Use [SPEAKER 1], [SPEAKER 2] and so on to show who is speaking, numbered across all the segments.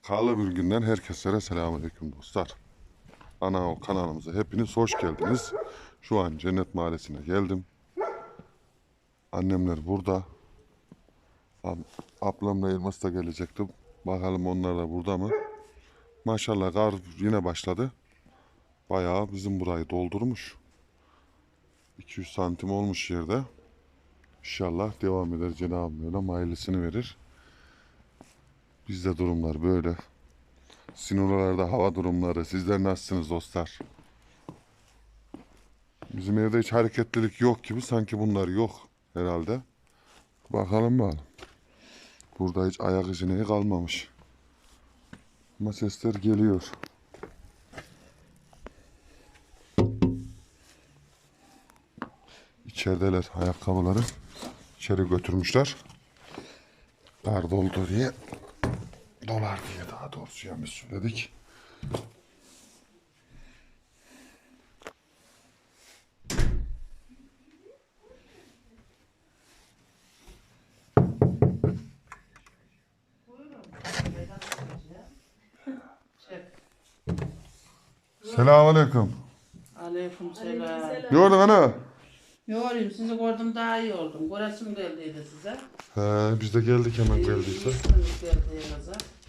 [SPEAKER 1] Karlı bir günden herkese selamünaleyküm dostlar. Ana kanalımıza hepiniz hoş geldiniz. Şu an Cennet Mahallesi'ne geldim. Annemler burada. Ablamla Elmas da gelecekti. Bakalım onlar da burada mı? Maşallah kar yine başladı. Bayağı bizim burayı doldurmuş. 200 santim olmuş yerde. İnşallah devam eder Cenab-ı Mevlam hayırlısını verir. Bizde durumlar böyle. Sizin oralarda hava durumları. Sizler nasılsınız dostlar? Bizim evde hiç hareketlilik yok gibi. Sanki bunlar yok herhalde. Bakalım bakalım. Burada hiç ayak izine kalmamış. Ama sesler geliyor. İçerideler ayakkabıları. İçeri götürmüşler. Kar doldu diye. Dolar diye daha doğrusu yanlış söyledik. Selamünaleyküm.
[SPEAKER 2] Aleykümselam.
[SPEAKER 1] Gördün ana.
[SPEAKER 2] Yorayım sizi gördüm daha iyi oldum. Göresim geldiydi size.
[SPEAKER 1] Biz de geldik hemen geldiyse.
[SPEAKER 2] İyisiniz geldiğinize.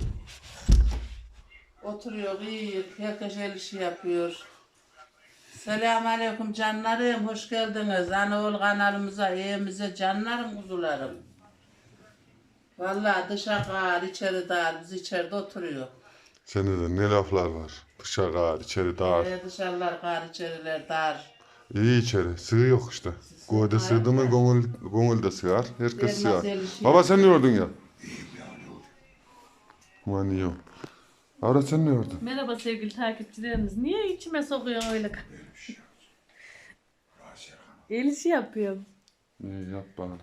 [SPEAKER 2] Oturuyor, iyi. Herkes el işi yapıyor. Selamünaleyküm canlarım. Hoş geldiniz. Anaoğlu kanalımıza, evimize canlarım, kuzularım. Vallahi dışa kar, içeri dar. Biz içeride oturuyor.
[SPEAKER 1] Sende de ne laflar var. Dışarı kar, içeri dar.
[SPEAKER 2] Dışarılar kar, içeriler dar.
[SPEAKER 1] İyi içeri. Sığ yok işte. Gövde sığdı mı gönül de sığar. Herkes sığar.
[SPEAKER 2] el işi
[SPEAKER 1] Baba sen ne gördün ya? Aman iyi. Ara sen ne gördün?
[SPEAKER 3] Merhaba sevgili takipçilerimiz. Niye içime sokuyorsun öyle? El işi yapıyorum.
[SPEAKER 1] İyi yap bana.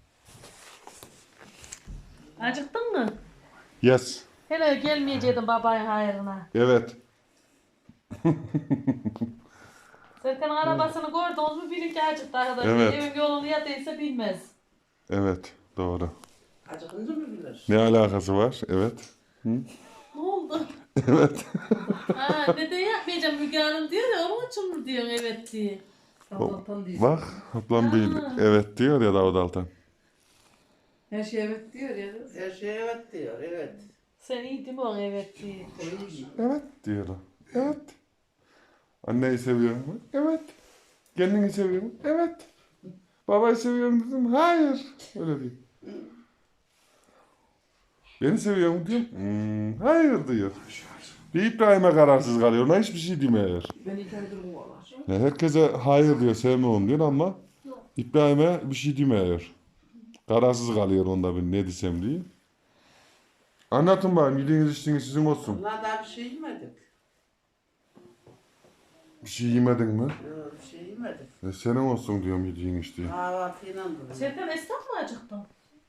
[SPEAKER 3] Acıktın mı?
[SPEAKER 1] Yes.
[SPEAKER 3] Hele gelmeyeceydin babayın hayrına.
[SPEAKER 1] Evet.
[SPEAKER 3] Serkan'ın arabasını gördünüz mü bilin ki acıktı arkadaşlar.
[SPEAKER 1] Evet.
[SPEAKER 3] Evin yolunu ya değilse bilmez.
[SPEAKER 1] Evet. Doğru.
[SPEAKER 2] Acıkınca mı bilir?
[SPEAKER 1] Ne alakası var? Evet.
[SPEAKER 3] Ne oldu?
[SPEAKER 1] Evet.
[SPEAKER 3] Ha, neden yapmayacağım Müge Hanım diyor ya onun için mi diyorsun evet diye.
[SPEAKER 1] Bak ablam bir evet diyor ya Davut Altan.
[SPEAKER 2] Her şey evet diyor ya. Her şey evet diyor, evet.
[SPEAKER 3] Sen iyi değil mi o evet diye.
[SPEAKER 1] Evet diyor o. Evet. Anneyi seviyor mu? Evet. Kendini seviyor mu? Evet. Babayı seviyor mu dedim. Hayır. Öyle diyor. Beni seviyor mu diyorum. Hayır diyor. Bir İbrahim'e kararsız kalıyor. Ona hiçbir şey demiyor.
[SPEAKER 2] Beni kendimi olar.
[SPEAKER 1] Herkese hayır diyor, sevmiyorum diyor ama İbrahim'e bir şey demiyor. Kararsız kalıyor onda ben ne desem diye. Anlatın bakayım. Yediğiniz içtiğiniz sizin olsun.
[SPEAKER 2] Vallahi daha bir şey yemedik.
[SPEAKER 1] Bir şey yemedin mi?
[SPEAKER 2] Yok bir şey yemedik.
[SPEAKER 1] Senin olsun diyorum yediğin içtiğin.
[SPEAKER 2] Kahvaltıyla duruyor.
[SPEAKER 3] Serkan esnaf mı acıktın?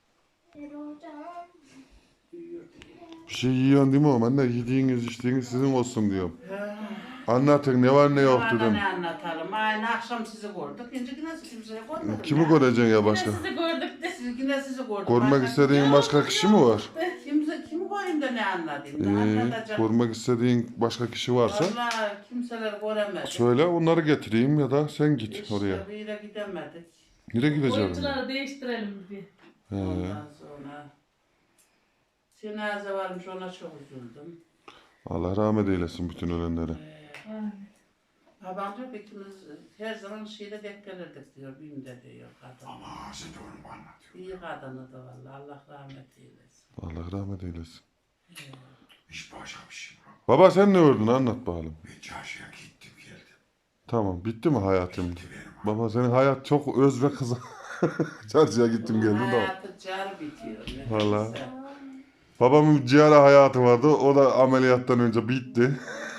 [SPEAKER 1] Bir şey yiyorsun değil mi oğlum? Anne yediğiniz içtiğiniz sizin olsun diyorum. Anlatın ne var ne yok dedim.
[SPEAKER 2] Ne anlatalım? Aynı akşam sizi gördük. Şimdi yine kimseye görmedik.
[SPEAKER 1] Kimi göreceksin ya başka?
[SPEAKER 3] Yine sizi gördük de.
[SPEAKER 2] Yine sizi gördük.
[SPEAKER 1] Görmek
[SPEAKER 2] Başka
[SPEAKER 1] istediğin başka kişi mi var?
[SPEAKER 2] kimi koyayım da ne anlatayım? Ne anlatacağım?
[SPEAKER 1] Görmek istediğin başka kişi varsa
[SPEAKER 2] Vallahi kimseler göremedi.
[SPEAKER 1] söyle onları getireyim ya da sen git
[SPEAKER 2] İşte
[SPEAKER 1] oraya.
[SPEAKER 2] bir yere gidemedik.
[SPEAKER 1] Nereye gideceğim?
[SPEAKER 3] Oyuncuları değiştirelim bir.
[SPEAKER 2] Ondan sonra cenaze varmış ona çok üzüldüm.
[SPEAKER 1] Allah rahmet eylesin bütün ölenlere.
[SPEAKER 2] Babam diyor ki ikimiz her zaman şeyde denk gelirdik diyor. Bim'de diyor kadın.
[SPEAKER 4] Ama sen de onu anlatıyor.
[SPEAKER 2] İyi kadını da vallahi Allah rahmet eylesin.
[SPEAKER 1] Allah rahmet eylesin.
[SPEAKER 4] Hiç başka bir şey bırak.
[SPEAKER 1] Baba sen ne gördün anlat bakalım.
[SPEAKER 4] Ben çarşıya gittim geldim.
[SPEAKER 1] Tamam bitti mi hayatım?
[SPEAKER 4] Bitti benim.
[SPEAKER 1] Baba senin hayat çok öz ve kısa. Çarşıya gittim geldim de.
[SPEAKER 2] Hayatı car bitiyor. ne
[SPEAKER 1] Vallahi.
[SPEAKER 2] neyse.
[SPEAKER 1] Babamın ciğer hayatı vardı. O da ameliyattan önce bitti.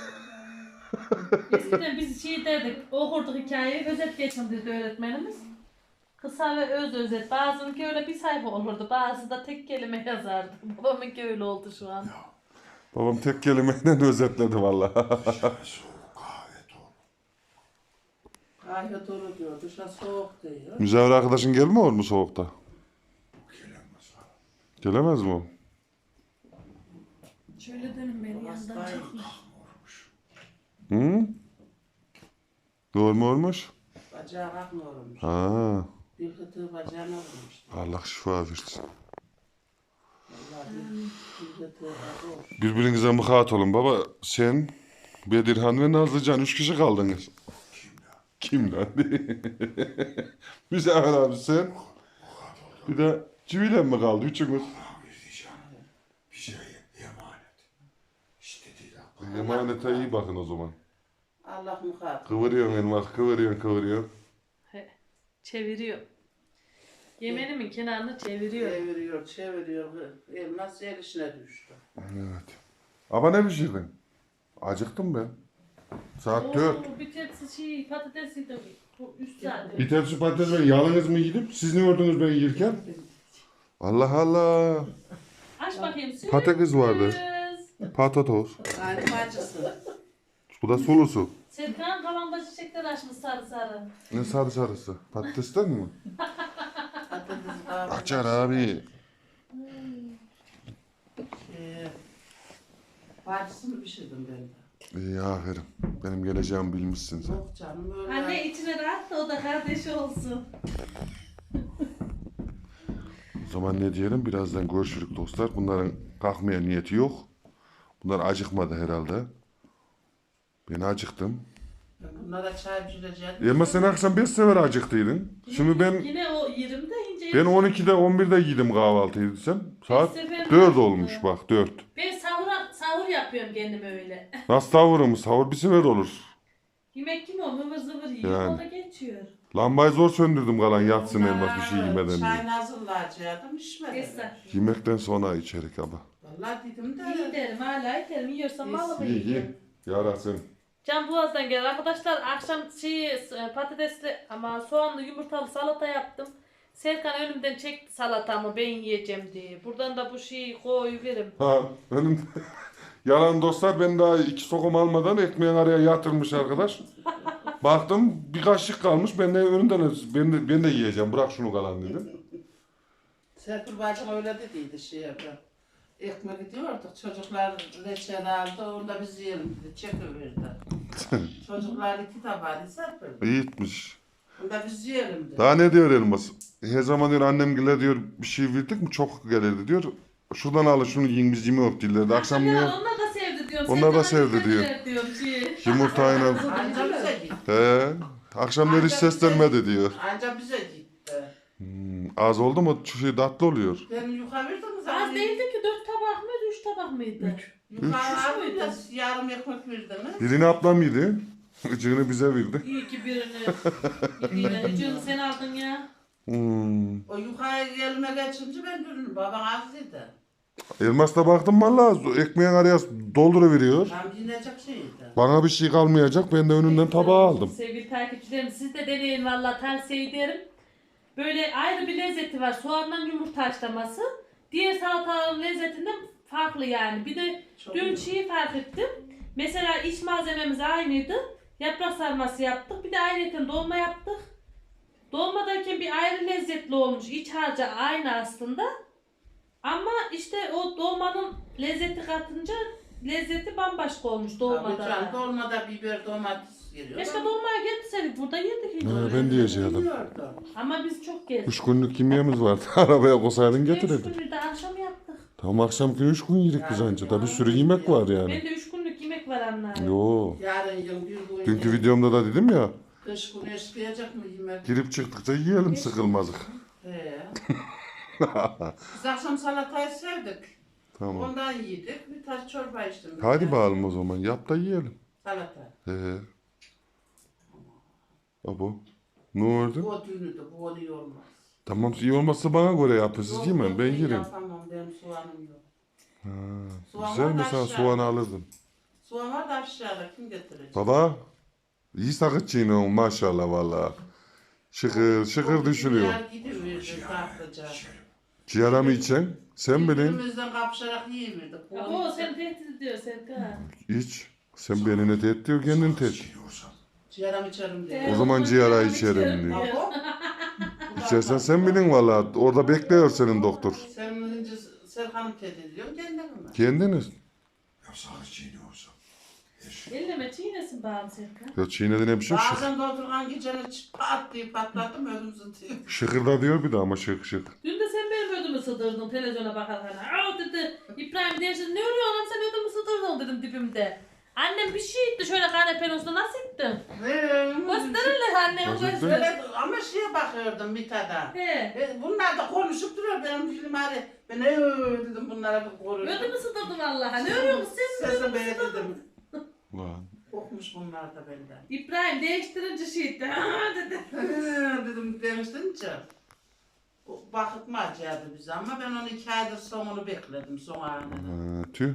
[SPEAKER 3] Eskiden biz şey derdik, okurduk hikayeyi, özet geçindirdi öğretmenimiz. Kısa ve öz özet. Bazınınki öyle bir sayfa olurdu, bazı da tek kelime yazardı. Babamınki öyle oldu şu an.
[SPEAKER 1] Babam tek kelimeyle özetledi vallahi.
[SPEAKER 4] Dışarı soğuk kahve dolu.
[SPEAKER 2] Kahve dolu diyor. Dışarı soğuk diyor.
[SPEAKER 1] Müzevir arkadaşın gelmiyor mu soğukta?
[SPEAKER 4] Gelemez ha.
[SPEAKER 1] Gelemez mi o?
[SPEAKER 3] Şöyle dönün beni yandan
[SPEAKER 2] Hastayım.
[SPEAKER 3] çekme.
[SPEAKER 1] Hı? Doğru mu olmuş?
[SPEAKER 2] Bacağı kalkmıyormuş.
[SPEAKER 1] Ha,
[SPEAKER 2] Bir hıtığı bacağına vurmuş.
[SPEAKER 1] Allah şifa versin.
[SPEAKER 2] Vallahi bir hıtığı kalkmış.
[SPEAKER 1] Birbirinize muhat olun baba. Sen, Bedirhan ve Nazlıcan 3 kişi kaldınız. Kim lan? Müzeyyen abi sen. Bir de Civile mi kaldı? Üçümüz.
[SPEAKER 4] Abi diyeceğim. Bir şey emanet. İşte değil abi.
[SPEAKER 1] Emanete iyi bakın o zaman.
[SPEAKER 2] Allah muhat.
[SPEAKER 1] Kıvırıyorsun elmas, kıvırıyorsun.
[SPEAKER 3] He, çeviriyor. Yemenimin kenarını çeviriyor.
[SPEAKER 2] Çeviriyor. Elmas el işine düştü.
[SPEAKER 1] Evet. Ama ne pişirdin? Acıktım ben. Saat 4.
[SPEAKER 3] Oo, bir tepsi patatesiydi. Bu üst saat.
[SPEAKER 1] Bir tepsi patates ben yalnız mı yedim? Siz ne gördünüz ben yerken? Allah Allah.
[SPEAKER 3] Aç bakayım. Sürpriz.
[SPEAKER 1] Patates vardı. Patatos.
[SPEAKER 2] Yani bacısı.
[SPEAKER 1] Bu da sulusu.
[SPEAKER 3] Serkan kavanda çiçekler açmış sarı sarı.
[SPEAKER 1] Ne sarı sarısı? Patatesten mi?
[SPEAKER 2] Patates kavurma.
[SPEAKER 1] Açar abi.
[SPEAKER 2] Bacısını pişirdim ben de.
[SPEAKER 1] İyi aferin. Benim geleceğimi bilmişsin sen.
[SPEAKER 2] Yok canım öyle.
[SPEAKER 3] Anne içine rahat da o da kardeşi olsun.
[SPEAKER 1] O zaman ne diyelim? Birazdan görüşürük dostlar. Bunların kalkmaya niyeti yok. Bunlar acıkmadı herhalde. Ben acıktım.
[SPEAKER 2] Ben bunlara çay pişireceğim.
[SPEAKER 1] Ama sen akşam 5 sefer acıktıydın. Şimdi ben
[SPEAKER 3] Yine o yerimde ince.
[SPEAKER 1] 12'de 11'de yedim kahvaltıyı sen. Saat
[SPEAKER 3] sefer
[SPEAKER 1] 4
[SPEAKER 3] acıktı.
[SPEAKER 1] olmuş bak 4.
[SPEAKER 3] Ben sahur yapıyorum kendime öyle.
[SPEAKER 1] Nasıl tavurum? Sahur bir sefer olur.
[SPEAKER 3] Yemek kim o? Hıvır zıvır yiyor.
[SPEAKER 1] Yani.
[SPEAKER 3] O da geçiyor.
[SPEAKER 1] Lambayı zor söndürdüm kalan yatsın elmas bir şey yemeden
[SPEAKER 2] Çay
[SPEAKER 1] diye.
[SPEAKER 2] hazırlayacaktım içmedim.
[SPEAKER 3] Esra.
[SPEAKER 1] Yemekten sonra içerik abi.
[SPEAKER 2] Vallahi dedim
[SPEAKER 3] İyi
[SPEAKER 2] de.
[SPEAKER 3] derim hala yerim. Yiyorsam balık
[SPEAKER 1] İyi iyi.
[SPEAKER 3] yiyeyim.
[SPEAKER 1] Yarasın.
[SPEAKER 3] Can Boğaz'dan geldi. Arkadaşlar akşam patatesli ama soğanlı yumurtalı salata yaptım. Serkan önümden çekti salatamı ben yiyeceğim diye. Buradan da bu şeyi koyuverim.
[SPEAKER 1] Ha benim yalan dostlar ben daha 2 sokum almadan ekmeğin araya yatırmış arkadaş. Baktım bir kaşık kalmış ben de önünden ben de yiyeceğim bırak şunu kalan dedim.
[SPEAKER 2] Serpil bacım öyle dediydi şey yapıyor. Ekmek gidiyorduk. Çocuklar reçel aldı. Onda biz yiyelim dedi. Çekiverdi. Çocuklar 2 tabağı Serpil.
[SPEAKER 1] İyi etmiş.
[SPEAKER 2] Onda biz yiyelim dedi.
[SPEAKER 1] Daha ne diyor elmas? Her zaman diyor annemgile diyor bir şey verdik mi çok gelirdi diyor. Şuradan alın şunu yiyin biz yemiyoruz dillerdi. Akşam diyor
[SPEAKER 3] Onlar da sevdi diyorum.
[SPEAKER 1] Onlar da
[SPEAKER 3] Serkan
[SPEAKER 1] sevdi diyor.
[SPEAKER 3] diyor şey.
[SPEAKER 1] yumurtayla.
[SPEAKER 2] Anca bize gitti.
[SPEAKER 1] He. Akşamları hiç seslenmedi diyor.
[SPEAKER 2] Anca bize gitti.
[SPEAKER 1] Az oldu mu şu şey tatlı oluyor.
[SPEAKER 2] Ben yukarı verdim mi
[SPEAKER 3] Az
[SPEAKER 2] zaten?
[SPEAKER 3] değildi ki 4 tabak mıydı 3 tabak mıydı?
[SPEAKER 2] Yukarı aldım da yarım ekmek verdiniz.
[SPEAKER 1] Birini ablam yedi. Icığını bize verdi.
[SPEAKER 3] İyi ki birini. Yine sen aldın ya.
[SPEAKER 2] O yukarı elime geçince ben dönüm. Babam az dedi.
[SPEAKER 1] Elmas'ta baktım valla ekmeğin araya dolduruveriyor.
[SPEAKER 2] Tam dinleyecek şeydi.
[SPEAKER 1] Bana bir şey kalmayacak ben de önünden tabağı aldım.
[SPEAKER 3] Sevgili takipçilerim siz de deneyin valla tavsiye ederim. Böyle ayrı bir lezzeti var. Soğandan yumurta haşlaması. Diğer salataların lezzetinden farklı yani. Bir de
[SPEAKER 2] Çok
[SPEAKER 3] dün
[SPEAKER 2] iyi.
[SPEAKER 3] şeyi fark ettim. Mesela iç malzememiz aynıydı. Yaprak sarması yaptık. Bir de ayrıca dolma yaptık. Dolmadayken bir ayrı lezzetli olmuş. İç harcı aynı aslında. Ama işte o dolmanın lezzeti katınca lezzeti bambaşka olmuş
[SPEAKER 2] Tabii
[SPEAKER 3] dolmada.
[SPEAKER 2] canım, dolmada biber domates giriyor.
[SPEAKER 3] Keşke dolmaya gelseydik. Burada yedik. hiç.
[SPEAKER 1] Ben diyeceğim.
[SPEAKER 2] Bilmiyordum.
[SPEAKER 3] Ama biz çok gezdik.
[SPEAKER 1] 3 günlük yemeğimiz vardı. Arabaya koysaydın
[SPEAKER 3] Üç
[SPEAKER 1] getirirdim.
[SPEAKER 3] günlük de akşam yaptık.
[SPEAKER 1] Tamam akşam günü 3 gün yedik biz anca. Da bir sürü yemek var yani.
[SPEAKER 3] Ben de 3 günlük yemek var anne.
[SPEAKER 1] Yo.
[SPEAKER 2] Yarın yıl bir gün.
[SPEAKER 1] Dünkü videomda da dedim ya.
[SPEAKER 2] Kış günü eşkıyacak mı yemek?
[SPEAKER 1] Girip çıktıkça yiyelim sıkılmazık.
[SPEAKER 2] He. Biz akşam salatayı sevdik.
[SPEAKER 1] Tamam.
[SPEAKER 2] Ondan yedik. Bir tas çorba içtim.
[SPEAKER 1] Hadi bakalım o zaman. Yap da yiyelim.
[SPEAKER 2] Salata.
[SPEAKER 1] He. Abo. Ne oldu?
[SPEAKER 2] Bu düğünü de bu onu olmaz.
[SPEAKER 1] Tamam iyi olmazsa bana göre yapın. Siz
[SPEAKER 2] Yok,
[SPEAKER 1] yemeyin
[SPEAKER 2] yok,
[SPEAKER 1] ben yerim.
[SPEAKER 2] Yapamam benim soğanım yok. Soğan
[SPEAKER 1] Güzel
[SPEAKER 2] var da
[SPEAKER 1] mi sen
[SPEAKER 2] aşağıda.
[SPEAKER 1] soğanı alırdın.
[SPEAKER 2] Soğan var da aşağıda kim getirecek?
[SPEAKER 1] Baba. İyi sakıtçıyım maşallah valla. Şıkır şıkır düşürüyor.
[SPEAKER 2] Yer gidiverdi tatlıca.
[SPEAKER 1] Ciğera mı içen? Sen bilin.
[SPEAKER 2] Birbirimizden kapışarak yiyiverdik.
[SPEAKER 3] O sen tehdit ediyor Serkan.
[SPEAKER 1] İç. Sen beni ne tehdit ediyor kendini tehdit.
[SPEAKER 4] Yiyorsan
[SPEAKER 2] Ciğeram içerim diye.
[SPEAKER 1] O zaman ciğera içerim diyor.
[SPEAKER 2] Abo.
[SPEAKER 1] İçersen sen bilin valla. Orada bekliyor senin doktor.
[SPEAKER 2] Sen önce Serkan'ı tehdit ediyorsun kendini mi?
[SPEAKER 1] Kendiniz.
[SPEAKER 4] Sağ çiğne olsa. Her şey.
[SPEAKER 3] Elleme çiğnesin bağım Serkan.
[SPEAKER 1] Ya çiğnedi ne biçim şık.
[SPEAKER 2] Bazen doldurgan geceni pat diye patlattım ödüm zıtıyor.
[SPEAKER 1] Şıkırda diyor bir de ama şık şık.
[SPEAKER 3] Dün de sen benim ödümü sıdırdın televizyona bakarken. Aa dedi İbrahim demişti ne oluyor anam sen ödümü sıdırdın dedim dibimde. Annem bir şey itti şöyle kanepenin üstüne nasıl ittin? Gösterirler annem
[SPEAKER 1] Nasıl ittin?
[SPEAKER 3] gösterir.
[SPEAKER 2] Böyle ama şeye bakıyordum Mithat'a.
[SPEAKER 3] He.
[SPEAKER 2] Bunlar da konuşup duruyor benim film hadi. Ben dedim bunlara bir koruyordum.
[SPEAKER 3] Ödümü sıdırdın Allah'a. Ne örüyor musun sen?
[SPEAKER 2] Sese beğendim.
[SPEAKER 1] Lan.
[SPEAKER 2] Okmuş bunlar da benden.
[SPEAKER 3] İbrahim değiştirince şey itti. Aa dedi.
[SPEAKER 2] Dedim demiştin o bakıtma acıyadı bize ama ben onu 2 aydır sonunu bekledim son anını.
[SPEAKER 1] Tüh.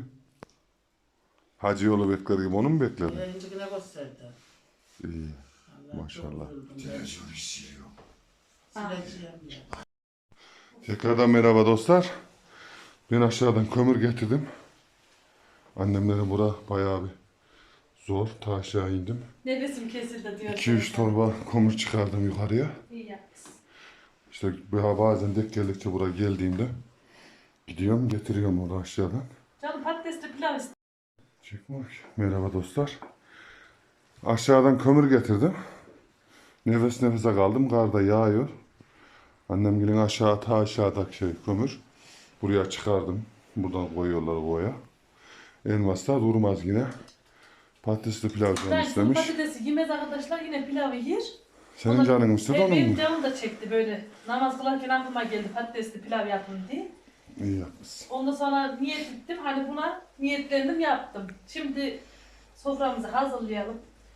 [SPEAKER 1] Hacı yolu bekler gibi onu mu bekledin?
[SPEAKER 2] Yine gösterdi.
[SPEAKER 1] İyi.
[SPEAKER 2] Allah,
[SPEAKER 1] Maşallah.
[SPEAKER 2] çok üzüldüm ben.
[SPEAKER 4] Televizyonu siliyor.
[SPEAKER 2] Sileceğim ya.
[SPEAKER 1] Tekrardan merhaba dostlar. Ben aşağıdan kömür getirdim. Annemlerin bura bayağı bir zor. Ta aşağı indim.
[SPEAKER 3] Nefesim kesildi diyor.
[SPEAKER 1] 2-3 torba kömür çıkardım yukarıya.
[SPEAKER 3] İyi yapmışsın.
[SPEAKER 1] İşte bazen denk geldikçe buraya geldiğimde gidiyorum getiriyorum onu aşağıdan.
[SPEAKER 3] Canım patatesli pilav istedim.
[SPEAKER 1] Çıkmak. Merhaba dostlar. Aşağıdan kömür getirdim. Nefes nefese kaldım. Kar da yağıyor. Annem gelin aşağı ta aşağıdaki kömür. Buraya çıkardım. Buradan koyuyorlar koya. Elmas da durmaz yine. Patatesli pilav canı
[SPEAKER 3] Ben sulu
[SPEAKER 1] istemiş.
[SPEAKER 3] patatesi yemez arkadaşlar yine pilavı yer.
[SPEAKER 1] Senin canın istedi onun
[SPEAKER 3] Benim
[SPEAKER 1] mu?
[SPEAKER 3] canım da çekti böyle. Namaz kılarken aklıma geldi patatesli pilav yapın diye.
[SPEAKER 1] İyi yapmışsın.
[SPEAKER 3] Ondan sonra niyet ettim. Hani buna niyetlendim yaptım. Şimdi soframızı hazırlayalım.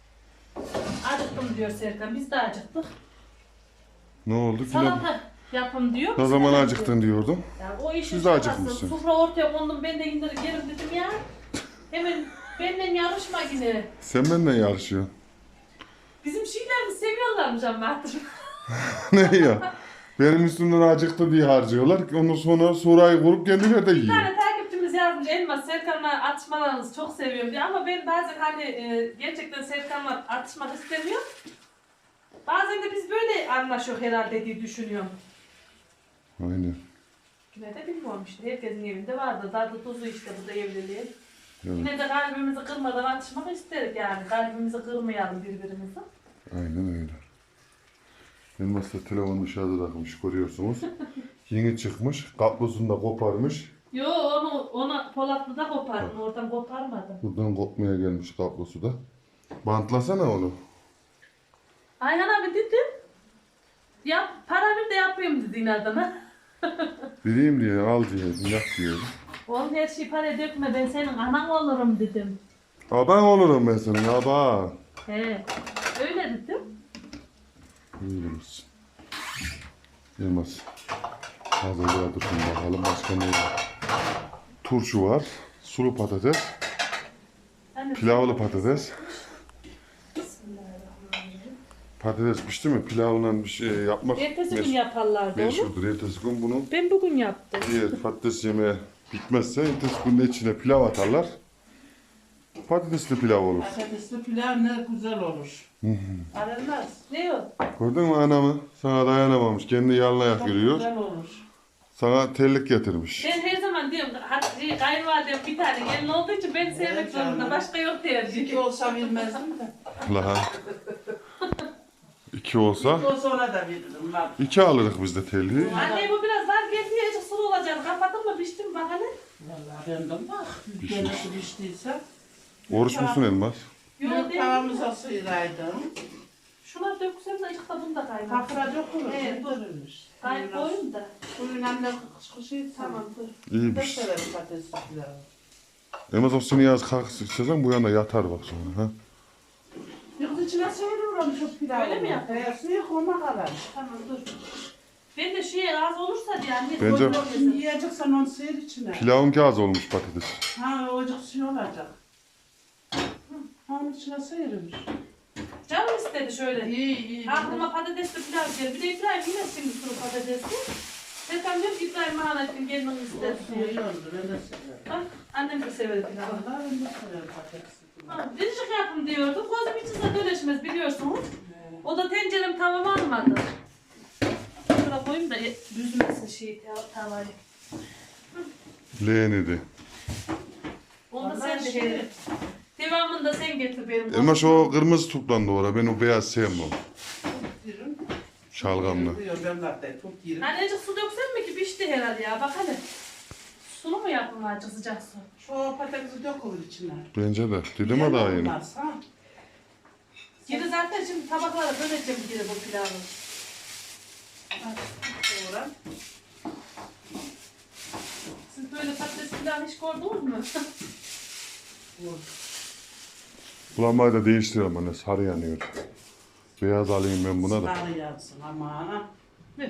[SPEAKER 3] Acıktım diyor Serkan. Biz de acıktık.
[SPEAKER 1] Ne oldu? Pilav.
[SPEAKER 3] Salata yapın diyor.
[SPEAKER 1] Ne
[SPEAKER 3] Biz
[SPEAKER 1] zaman
[SPEAKER 3] de
[SPEAKER 1] acıktın diyordum.
[SPEAKER 3] Yani o işin
[SPEAKER 1] Siz de
[SPEAKER 3] şakası.
[SPEAKER 1] acıkmışsınız.
[SPEAKER 3] Sofra ortaya kondum. Ben de indir gelim dedim ya. Hemen benden yarışma yine.
[SPEAKER 1] Sen benimle yarışıyorsun.
[SPEAKER 3] Bizim şeylerimizi seviyorlarmış ama artık.
[SPEAKER 1] Ne ya? Benim üstümden acıktı diye harcıyorlar. Ondan sonra sorayı kurup kendileri de
[SPEAKER 3] Bir
[SPEAKER 1] yiyor.
[SPEAKER 3] tane takipçimiz yazmış Elmas Serkan'la atışmalarınızı çok seviyorum diye ama ben bazen hani gerçekten Serkan'la atışmak istemiyorum. Bazen de biz böyle anlaşıyoruz herhalde diye düşünüyorum.
[SPEAKER 1] Aynen.
[SPEAKER 3] Yine de bilmiyorum işte herkesin evinde vardır. Tadı tuzu işte bu da evliliğin.
[SPEAKER 1] Evet.
[SPEAKER 3] Yine de kalbimizi kırmadan atışmak isterik yani. Kalbimizi kırmayalım birbirimizi.
[SPEAKER 1] Aynen öyle. Elmas da telefonu dışarıda takmış görüyorsunuz. Yeni çıkmış. Kablosunu da koparmış.
[SPEAKER 3] Yo onu Polatlı'da kopardım. Oradan koparmadım.
[SPEAKER 1] Buradan kopmaya gelmiş kablosu da. Bantlasana onu.
[SPEAKER 3] Ayhan abi dedim. Yap, para ver de yapayım dedi inadına.
[SPEAKER 1] Vereyim diye al diye yap diye.
[SPEAKER 3] Oğlum her şeyi paraya dökme ben senin anan olurum dedim.
[SPEAKER 1] Aban olurum ben senin aban.
[SPEAKER 3] He, öyle dedim.
[SPEAKER 1] Öyle misin? Elmas. Hazırlığa dursun bakalım başka ne var. Turşu var. Sulu patates.
[SPEAKER 3] Hani
[SPEAKER 1] Pilavlı patates.
[SPEAKER 3] Bismillahirrahmanirrahim.
[SPEAKER 1] Patates pişti mi? Pilavla bir şey yapmak
[SPEAKER 3] Ertesi gün yaparlardı onu.
[SPEAKER 1] meşhurdur. Ertesi gün bunu
[SPEAKER 3] Ben bugün yaptım.
[SPEAKER 1] diğer patates yemeği bitmezse ertesi gün de içine pilav atarlar. Patatesli pilav olur.
[SPEAKER 2] Patatesli pilav ne güzel olur. Aranmaz.
[SPEAKER 3] Ne o?
[SPEAKER 1] Gördün mü anamı? Sana dayanamamış. Kendi yalına
[SPEAKER 2] Çok
[SPEAKER 1] yürüyor.
[SPEAKER 2] güzel olur.
[SPEAKER 1] Sana terlik getirmiş.
[SPEAKER 3] Ben her zaman diyorum hadi kayınvalidem bir tane gelin olduğu için ben sevmek
[SPEAKER 2] Evet canım.
[SPEAKER 3] zorunda. Başka yok tercih.
[SPEAKER 2] 2 olsa bilmezdim de.
[SPEAKER 1] La. 2 olsa
[SPEAKER 2] 2 olsa ona da veririm. Bak.
[SPEAKER 1] 2 alırız biz de terliği.
[SPEAKER 3] Anne bu biraz var geldi azıcık sulu olacak. Kapadın mı pişti mi bak hele.
[SPEAKER 2] Vallahi ben de bak. Nasıl piştiyse.
[SPEAKER 1] Oruç musun Elmas?
[SPEAKER 3] Yok
[SPEAKER 2] Yok
[SPEAKER 3] değil.
[SPEAKER 2] tavamıza sıyıraydım.
[SPEAKER 3] Şuna döksem de işte bunu da kaynat.
[SPEAKER 2] Kafra dökülür.
[SPEAKER 3] Evet, dur.
[SPEAKER 2] Dökülür.
[SPEAKER 3] Koyun da.
[SPEAKER 2] Suyun anne kışkışı
[SPEAKER 3] Tamam dur.
[SPEAKER 2] Ben
[SPEAKER 1] İyiymiş.
[SPEAKER 2] severim patatesli pilavı.
[SPEAKER 1] Elmas o seni yaz kalk istesen bu yana yatar bak sonra. Ha?
[SPEAKER 2] Yoksa içine sıyırıyorum şu pilavı.
[SPEAKER 3] Öyle mi yapıyorsun?
[SPEAKER 2] Suyu koyma kadar.
[SPEAKER 3] Tamam dur. Ben de şey az olursa diye anne.
[SPEAKER 1] Bence-
[SPEAKER 2] Şimdi yiyeceksen onu sıyır içine.
[SPEAKER 1] Pilavın az olmuş patates.
[SPEAKER 2] Ha ocak suyu olacak. Ha onun içine sıyırmış.
[SPEAKER 3] Canım istedi şöyle.
[SPEAKER 2] İyi.
[SPEAKER 3] Aklıma patatesli pilav geldi. Bir de İbrahim yine şimdi sulu patatesli. Serkan diyor ki İbrahim Mahanet'in gelmeni ister
[SPEAKER 2] Olsun
[SPEAKER 3] diyor.
[SPEAKER 2] iyi oldu. Ben de severim.
[SPEAKER 3] Bak annem de sever pilavı.
[SPEAKER 2] Vallahi ben de severim patatesli pilavı.
[SPEAKER 3] Biricik yapın diyordu. Gözüm içinize dönüşmez biliyorsunuz. O da tencerem tamam almadı. Şuraya koyayım da büzmesin tavayı.
[SPEAKER 1] Leğenedi.
[SPEAKER 3] Ondan Devamında sen de hele. Devamında sen getir benim.
[SPEAKER 1] Elmas o kırmızı turptan doğru. Ben o beyaz sevmem.
[SPEAKER 2] Yerim.
[SPEAKER 1] Şalgamlı.
[SPEAKER 2] Diyor ben zaten çok yerim.
[SPEAKER 3] Anneciğim su döksen mi ki pişti herhalde ya, bak hele. Sulu mu yapın acı sıcak su?
[SPEAKER 2] Şu patatesi dökülür içine.
[SPEAKER 1] Bence de. Dedim ha daha yeni.
[SPEAKER 2] Olmaz, ha?
[SPEAKER 3] Geri zaten şimdi tabaklara böleceğim geri bu pilavı.
[SPEAKER 2] Sonra
[SPEAKER 3] Siz böyle patates pilavı hiç gördünüz mü?
[SPEAKER 1] Bulanmayı da değiştirelim anne. Sarı yanıyor. Beyaz alayım ben buna da.
[SPEAKER 2] sarı yansın ama.
[SPEAKER 3] Ver.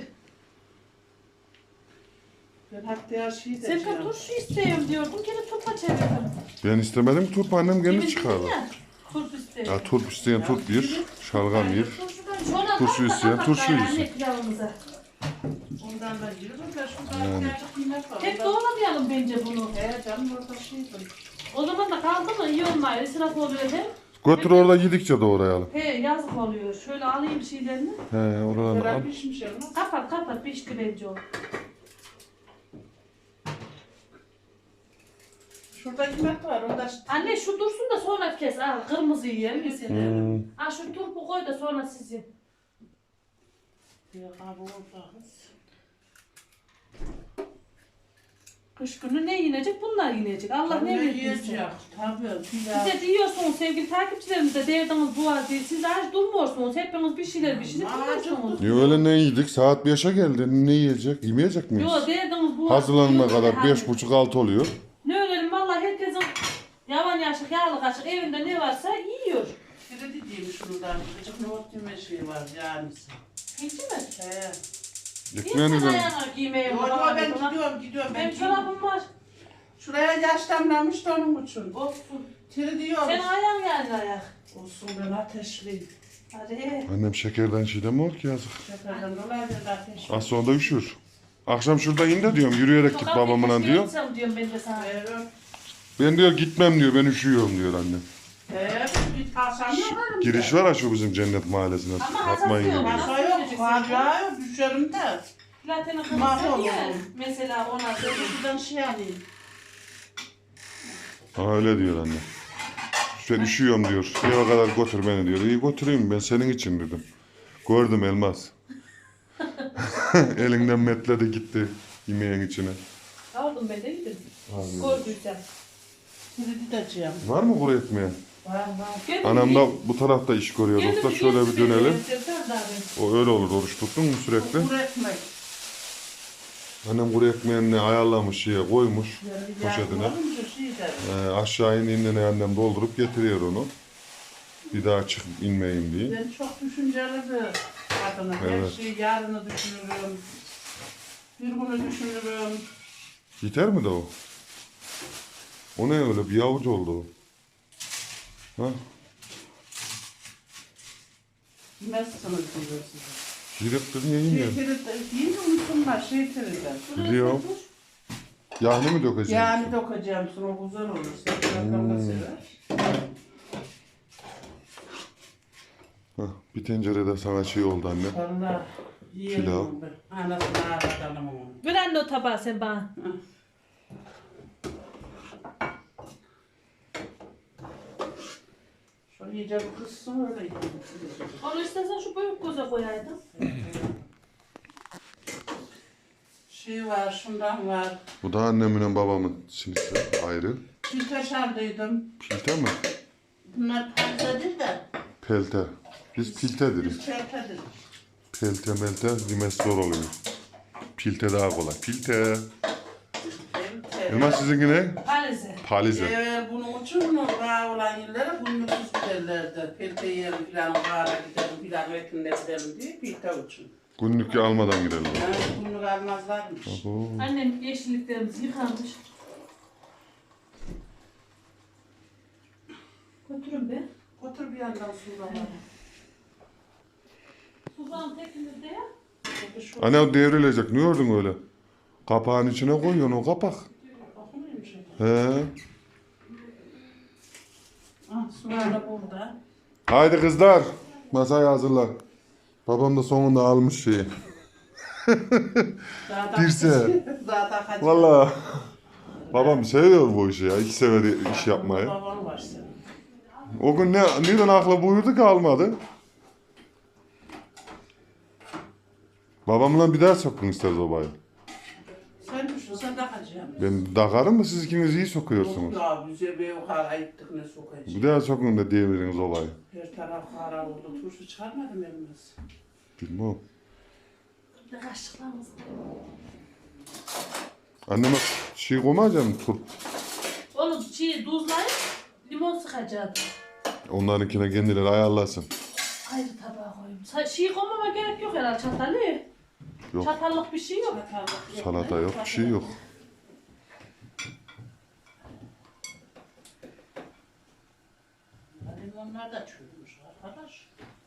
[SPEAKER 2] Ben hatta şey de
[SPEAKER 3] Sen de turşu istiyorum diyordun, geri turpa çevirdim.
[SPEAKER 1] Ben istemedim turp annem kendi
[SPEAKER 3] Yemin
[SPEAKER 1] çıkardı.
[SPEAKER 3] ya, turp istiyorum.
[SPEAKER 1] Ya turp isteyen turp bir. Şalgam bir.
[SPEAKER 3] Sonra
[SPEAKER 1] Turşu isteyen turşu
[SPEAKER 3] yesin.
[SPEAKER 1] yesin.
[SPEAKER 3] Pilavımıza.
[SPEAKER 2] ondan da yürürüm da şurada birazcık kıymet var.
[SPEAKER 3] Hep doğramayalım bence bunu.
[SPEAKER 2] Canım orada şeydir.
[SPEAKER 3] O zaman da kaldı mı iyi olmuyor. İsraf oluyor hem.
[SPEAKER 1] Götür orada yedikçe doğrayalım.
[SPEAKER 3] He yazık oluyor. Şöyle alayım şeylerini.
[SPEAKER 1] He oradan al.
[SPEAKER 2] Beraber pişmiş ama.
[SPEAKER 3] Kapat pişti bence o.
[SPEAKER 2] Şurada kıymet var. Onda
[SPEAKER 3] Anne şu dursun da sonra kes. Al kırmızı yiyelim biz.
[SPEAKER 1] Hmm.
[SPEAKER 3] Ha şu turpu koy da sonra siz yiyin.
[SPEAKER 2] bir kabı olacağız.
[SPEAKER 3] Kış günü ne yiyecek? Bunlar yiyecek. Allah ne verdiyse.
[SPEAKER 2] yiyecek? Tabii. Pilav.
[SPEAKER 3] Siz de diyorsunuz sevgili takipçilerimiz de derdiniz bu var diye. Siz aç durmuyorsunuz. Hepiniz bir şeyler yiyorsunuz.
[SPEAKER 1] Ya öyle ne yedik? Saat 5'e geldi. Ne yiyecek? Yemeyecek miyiz?
[SPEAKER 3] Yok derdiniz bu var.
[SPEAKER 1] Hazırlanana kadar
[SPEAKER 3] Hadi.
[SPEAKER 1] 5.30-6 oluyor.
[SPEAKER 3] Ne ölelim valla herkesin yavan yaşık yağlı kaşık evinde ne varsa yiyor.
[SPEAKER 2] Biri dediğim şuradan. Küçük nohut yeme şeyi var yani.
[SPEAKER 3] Hiç mi?
[SPEAKER 2] He.
[SPEAKER 1] Ekmeğini
[SPEAKER 3] İnsan
[SPEAKER 1] de...
[SPEAKER 3] ayağına giymeye
[SPEAKER 2] Yo, yo, ben gidiyorum.
[SPEAKER 3] Benim çorabım var.
[SPEAKER 2] Şuraya yaşlanmamış da onun için.
[SPEAKER 3] Olsun.
[SPEAKER 2] Tiri diyoruz.
[SPEAKER 3] Sen ayağın geldi ayak.
[SPEAKER 2] Olsun ben ateşliyim.
[SPEAKER 3] Hadi.
[SPEAKER 1] Annem şekerden şey demiyor ki yazık.
[SPEAKER 2] Şekerden dolayı ben ateşliyim.
[SPEAKER 1] Az sonra da üşür. Akşam şurada in de diyorum. Yürüyerek git babamla diyor.
[SPEAKER 3] Diyorum ben de sana.
[SPEAKER 1] Ben diyor gitmem diyor. Ben üşüyorum diyor annem.
[SPEAKER 2] Git kalsam yaparım.
[SPEAKER 1] Giriş var ha şu bizim cennet mahallesine.
[SPEAKER 3] Ama
[SPEAKER 1] Atmayın
[SPEAKER 3] hassas
[SPEAKER 1] gibi.
[SPEAKER 3] yok.
[SPEAKER 2] Masa yok, hala yok, düşerim de.
[SPEAKER 3] Platin
[SPEAKER 2] Mahvoldum.
[SPEAKER 3] akıllı ya. Mesela ona
[SPEAKER 2] Şuradan şey alayım.
[SPEAKER 1] Ha öyle diyor anne. Ben üşüyorum diyor. Eve kadar götür beni diyor. İyi götüreyim ben senin için dedim. Gördüm Elmas. Elinden metledi gitti yemeğin içine.
[SPEAKER 3] aldım ben de yedim.
[SPEAKER 1] Abi.
[SPEAKER 3] Gördüysem.
[SPEAKER 2] Şimdi dideceğim.
[SPEAKER 1] Var mı kuru ekmeği?
[SPEAKER 2] Var.
[SPEAKER 3] Gelin
[SPEAKER 1] Anam
[SPEAKER 3] bir-
[SPEAKER 1] da bu tarafta iş görüyor.
[SPEAKER 3] gelin
[SPEAKER 1] Usta
[SPEAKER 3] bir
[SPEAKER 1] şöyle bir
[SPEAKER 3] gezip
[SPEAKER 1] dönelim.
[SPEAKER 3] gelin.
[SPEAKER 1] O öyle olur. Oruç tuttun mu sürekli?
[SPEAKER 2] Kuru ekmek.
[SPEAKER 1] Annem kuru ekmeğini ayarlamış şeye koymuş. Poşetine. Aşağı indiğinde annem doldurup getiriyor onu. Bir daha çıkıp inmeyeyim diye.
[SPEAKER 2] Ben çok düşünceli bir kadınım.
[SPEAKER 1] Evet.
[SPEAKER 2] Her şeyi yarını düşünürüm. Bir günü düşünürüm.
[SPEAKER 1] Yeter mi de o? O ne öyle bir avuç oldu o. Ha?
[SPEAKER 2] Yemezsiniz diyor size.
[SPEAKER 1] Şirektir niye yemiyorsun?
[SPEAKER 2] Değil mi unutsunlar şey teride.
[SPEAKER 1] Biliyorum. Yağını mı dökeceksin?
[SPEAKER 2] Yani dokacağım sonra güzel olur. Sen da sever.
[SPEAKER 1] Hah, bir tencerede sana şey oldu anne.
[SPEAKER 2] Valla yiyelim
[SPEAKER 1] Pilav.
[SPEAKER 2] onu ben. Anasını ağlatalım onu.
[SPEAKER 3] Ver anne o tabağı sen bana.
[SPEAKER 2] Şöyle iyice bir kızsın öyle yiyelim.
[SPEAKER 3] Onu istersen şu büyük koza koyaydın.
[SPEAKER 2] Şey var, şundan var.
[SPEAKER 1] Bu da annemin babamın sinisi ayrı.
[SPEAKER 2] Bir taş aldıydım.
[SPEAKER 1] Pilte mi?
[SPEAKER 2] Bunlar pazardır da.
[SPEAKER 1] Pelte. Biz pilte deriz.
[SPEAKER 2] Biz çertedir.
[SPEAKER 1] Pelte melte yemesi zor oluyor. Pilte daha kolay. Pilte. Elmas sizinki ne?
[SPEAKER 3] Palize.
[SPEAKER 1] Palize.
[SPEAKER 2] Evet, bunun için bağ olan yerlere günlüksüz giderlerdi. Pelte yiyelim filan, bağına gidelim filan, öykünde gidelim diye pilte için.
[SPEAKER 1] Günlük almadan gidelim.
[SPEAKER 2] Yani günlük almazlarmış.
[SPEAKER 1] Oo.
[SPEAKER 3] Annem yeşilliklerimiz yıkanmış. Götürün be.
[SPEAKER 2] Otur bir yandan suda var.
[SPEAKER 3] Suzan tekinizde ya.
[SPEAKER 1] Anne o devrilecek. Ne gördün öyle? Kapağın içine koyuyorsun o kapak.
[SPEAKER 2] Okumuymuş.
[SPEAKER 1] He.
[SPEAKER 2] Ah, sularla burada.
[SPEAKER 1] Haydi kızlar. Masayı hazırla. Babam da sonunda almış şeyi.
[SPEAKER 2] Daha da
[SPEAKER 1] Dirse.
[SPEAKER 2] Daha da hadi.
[SPEAKER 1] Valla. Babam seviyor bu işi ya. İki sever iş yapmayı.
[SPEAKER 2] Babam var senin.
[SPEAKER 1] O gün neden akla buyurdu ki almadı? Babamla bir daha sokun ister sobayı.
[SPEAKER 2] Sen düşün, sen takacaksın.
[SPEAKER 1] Ben takarım mı siz ikiniz iyi sokuyorsunuz.
[SPEAKER 2] Yok ya, bize bir yukarı gittik ne sokacağız.
[SPEAKER 1] Bir daha sokun da deviriniz olayı.
[SPEAKER 2] Her taraf kara oldu. Turşu çıkarmadım elimiz.
[SPEAKER 1] Bilmem.
[SPEAKER 3] Bir de kaşıklarımız.
[SPEAKER 1] Anneme şey koymayacağım turp.
[SPEAKER 3] Onu tuzlayıp limon sıkacaktım.
[SPEAKER 1] Onlarınkine kendileri ayarlasın.
[SPEAKER 3] Ayrı tabağa koyayım. Şey koymama gerek yok herhalde çatalı.
[SPEAKER 1] Yok.
[SPEAKER 3] Çatallık bir şey yok.
[SPEAKER 1] Salata yok, bir şey yok.
[SPEAKER 2] Hadi onlar da çürümüş arkadaş.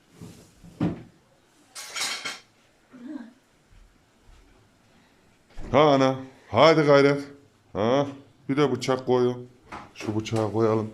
[SPEAKER 1] Ha ana. Hadi gayret. Ha. Bir de bıçak koyun. Şu bıçağı koyalım.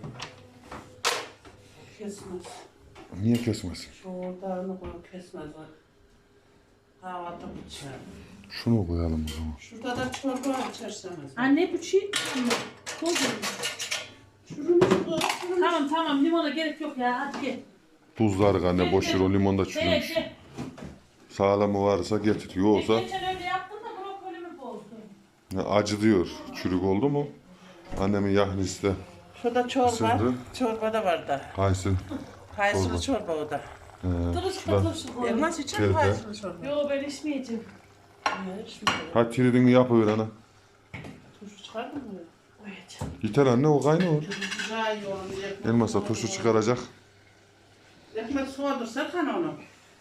[SPEAKER 2] Kesmez.
[SPEAKER 1] Niye kesmesin?
[SPEAKER 2] Şu ortağını koy kesmez. Kahvaltı bıçağı.
[SPEAKER 1] Şunu koyalım o zaman.
[SPEAKER 2] Şurada da çorba içerseniz.
[SPEAKER 3] Anne bu şey. Koyuyorum.
[SPEAKER 2] Çürümüş bu.
[SPEAKER 3] Tamam limona gerek yok ya hadi gel.
[SPEAKER 1] Tuzları anne boş ver o limon da çürümüş.
[SPEAKER 3] Gel.
[SPEAKER 1] Sağlamı varsa getir. Yoksa
[SPEAKER 3] Geçen öyle yaptın da brokolimi bozdun.
[SPEAKER 1] acı diyor. Çürük oldu mu? Annemin yahnisi de
[SPEAKER 2] Şurada çorba.
[SPEAKER 1] Isırdı.
[SPEAKER 2] Çorba da var da.
[SPEAKER 1] kayısı.
[SPEAKER 2] Kayısılı çorba o da.
[SPEAKER 3] Turşu koy.
[SPEAKER 2] Elmas için
[SPEAKER 1] Teyze.
[SPEAKER 2] kayısılı çorba.
[SPEAKER 3] Yo ben içmeyeceğim.
[SPEAKER 1] Hadi tiridini yapıver ana.
[SPEAKER 2] Turşu çıkardın mı?
[SPEAKER 3] Koyacağım.
[SPEAKER 1] Yeter anne o kaynıyor.
[SPEAKER 2] Güzel yoğun. ekmek
[SPEAKER 1] Elmas'a
[SPEAKER 2] yoğun.
[SPEAKER 1] turşu çıkaracak.
[SPEAKER 2] Ekmek soğudur Serkan onu.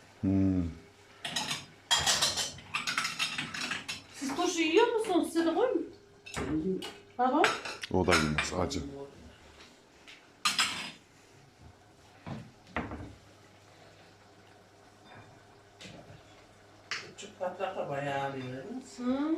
[SPEAKER 3] Siz turşu yiyor musunuz? Size de koyun. Baba.
[SPEAKER 1] O da yemez acı.
[SPEAKER 2] Küçük patlak da bayağı alıyoruz.
[SPEAKER 3] Hı.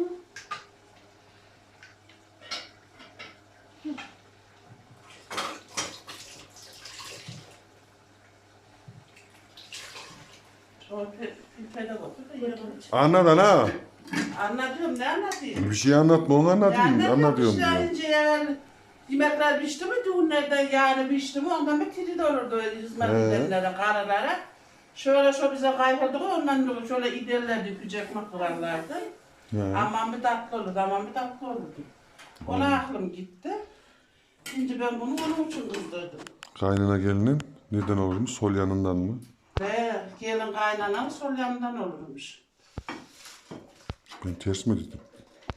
[SPEAKER 2] Sonra pipede koydu da yiyelim.
[SPEAKER 1] Anlat ana.
[SPEAKER 2] Anlatıyorum ne anlatayım?
[SPEAKER 1] Bir şey anlatma onu anlatayım. Anlatıyorum
[SPEAKER 2] işte
[SPEAKER 1] diyor.
[SPEAKER 2] önce yani yemekler pişti mi düğünlerden yani pişti mi ondan bir tiri de olurdu öyle hizmet edenlere, karılara. Şöyle şu bize kayboldu ondan dolayı şöyle iderlerdi, küçük maklarlardı. Aman bir tatlı olurdu, aman bir tatlı olurdu. Ona aklım gitti. Şimdi ben bunu onun için kızdırdım.
[SPEAKER 1] Kaynana gelinin neden olurmuş? Sol yanından mı?
[SPEAKER 2] Ve gelin kaynanan sol yanından olurmuş.
[SPEAKER 1] Ben ters mi dedim?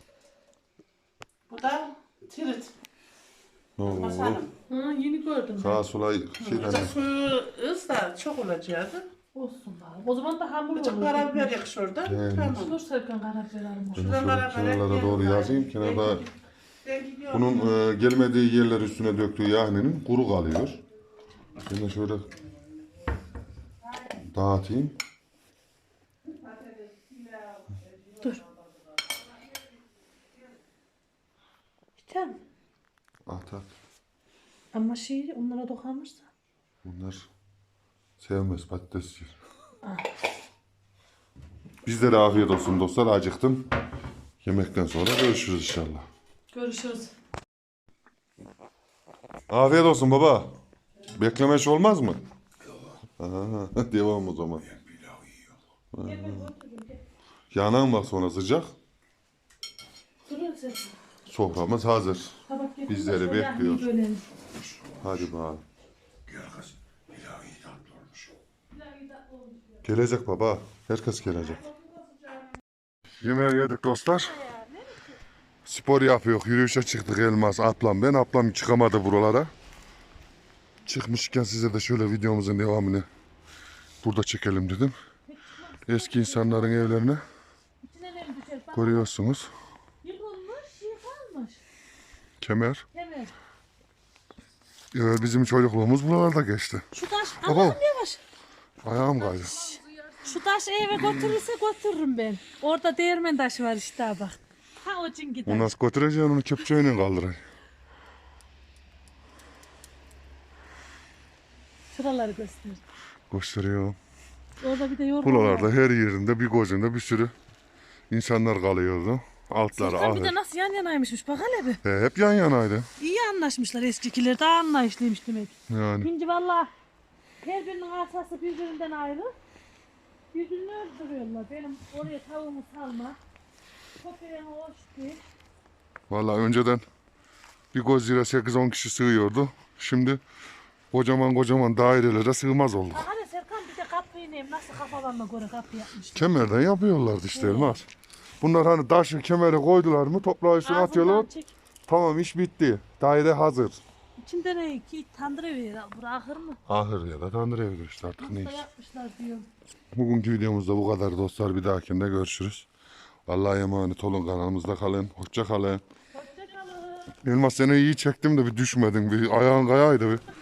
[SPEAKER 2] Bu da tirit.
[SPEAKER 1] Oo.
[SPEAKER 2] Masanım.
[SPEAKER 3] Hı, yeni gördüm.
[SPEAKER 1] Sağa sola şeyden.
[SPEAKER 2] Azıcık suyu ız da çok olacaktı.
[SPEAKER 3] Olsun bari. O zaman da hamur
[SPEAKER 2] Azıcık
[SPEAKER 3] olur.
[SPEAKER 2] karabiber yak şurada. Tamam.
[SPEAKER 3] Dur Serkan karabiber alma.
[SPEAKER 1] Ben şöyle kenarlara doğru yazayım. Kenarda
[SPEAKER 2] Ben gidiyorum.
[SPEAKER 1] bunun gelmediği yerler üstüne döktüğü yahninin kuru kalıyor. Ben de şöyle dağıtayım.
[SPEAKER 3] Dur. Biter mi?
[SPEAKER 1] At at.
[SPEAKER 3] Ama şey onlara dokunursa.
[SPEAKER 1] Bunlar sevmez patates yer. Bizlere afiyet olsun dostlar. Acıktım. Yemekten sonra görüşürüz inşallah.
[SPEAKER 3] Görüşürüz.
[SPEAKER 1] Afiyet olsun baba. Bekleme iş olmaz mı? Aha, devam o zaman. Yanan bak sonra sıcak.
[SPEAKER 3] Durun sen.
[SPEAKER 1] Soframız hazır.
[SPEAKER 3] Tabak getir.
[SPEAKER 1] Bizleri
[SPEAKER 3] Şöyle
[SPEAKER 1] bekliyor.
[SPEAKER 3] yahniyi bölelim.
[SPEAKER 1] Hadi bakalım.
[SPEAKER 4] Gel kız. Pilav iyi tatlı olmuş.
[SPEAKER 1] Gelecek baba. Herkes gelecek. Yemeği yedik dostlar. Spor yapıyor. Yürüyüşe çıktık Elmas, ablam ben. Ablam çıkamadı buralara. Çıkmışken size de şöyle videomuzun devamını burada çekelim dedim. Eski insanların evlerini
[SPEAKER 3] İçine ne düşer? Bak
[SPEAKER 1] görüyorsunuz.
[SPEAKER 3] yıkılmış, yıkanmış.
[SPEAKER 1] Kemer.
[SPEAKER 3] Evet.
[SPEAKER 1] Bizim çocukluğumuz buralarda geçti.
[SPEAKER 3] Şu taş,
[SPEAKER 1] Baba.
[SPEAKER 3] Allah'ım yavaş.
[SPEAKER 1] Ayağım kaydı.
[SPEAKER 3] Şu taşı eve götürürse götürürüm ben. Orada değirmen taşı var işte bak. Ha o cin gider.
[SPEAKER 1] Onu nasıl götüreceksin onu kepçeyle kaldıracaksın.
[SPEAKER 3] Şuraları göster.
[SPEAKER 1] Gösteriyor.
[SPEAKER 3] Orada bir de yorgan var.
[SPEAKER 1] Buralarda her yerinde bir gözünde bir sürü insanlar kalıyordu. Altları
[SPEAKER 3] Serkan bir
[SPEAKER 1] ahır.
[SPEAKER 3] de nasıl yan yanaymışmış bak hele bir.
[SPEAKER 1] Hep yan yanaydı.
[SPEAKER 3] İyi anlaşmışlar eskikiler daha anlayışlıymış demek.
[SPEAKER 1] Yani.
[SPEAKER 3] Şimdi valla her birinin arsası birbirinden ayrı. Birbirini öldürüyorlar. Benim oraya tavuğumu salma. Köpeğime hoş değil.
[SPEAKER 1] Vallahi önceden bir Godzilla 8-10 kişi sığıyordu. Şimdi kocaman dairelere sığmaz olduk.
[SPEAKER 3] Bak hele Serkan bir de kapıyı neyim nasıl kafalarına göre kapı yapmışlar.
[SPEAKER 1] Kemerden yapıyorlardı işte Elmas. Bunlar hani taşı kemere koydular mı toprağı üstüne atıyorlar.
[SPEAKER 3] Ağzından çek.
[SPEAKER 1] Tamam iş bitti. Daire hazır.
[SPEAKER 3] İçinde ne ki tandır evi bırakır mı?
[SPEAKER 1] Ahır ya da tandır evidir işte artık
[SPEAKER 3] Nasıl
[SPEAKER 1] neyse.
[SPEAKER 3] yapmışlar diyorum.
[SPEAKER 1] Bugünkü videomuzda bu kadar dostlar. Bir dahakinde görüşürüz. Allah'a emanet olun, kanalımızda kalın. Hoşça kalın.
[SPEAKER 3] Hoşçakalın.
[SPEAKER 1] Elmas seni iyi çektim de bir düşmedin. Bir ayağın kayaydı bir.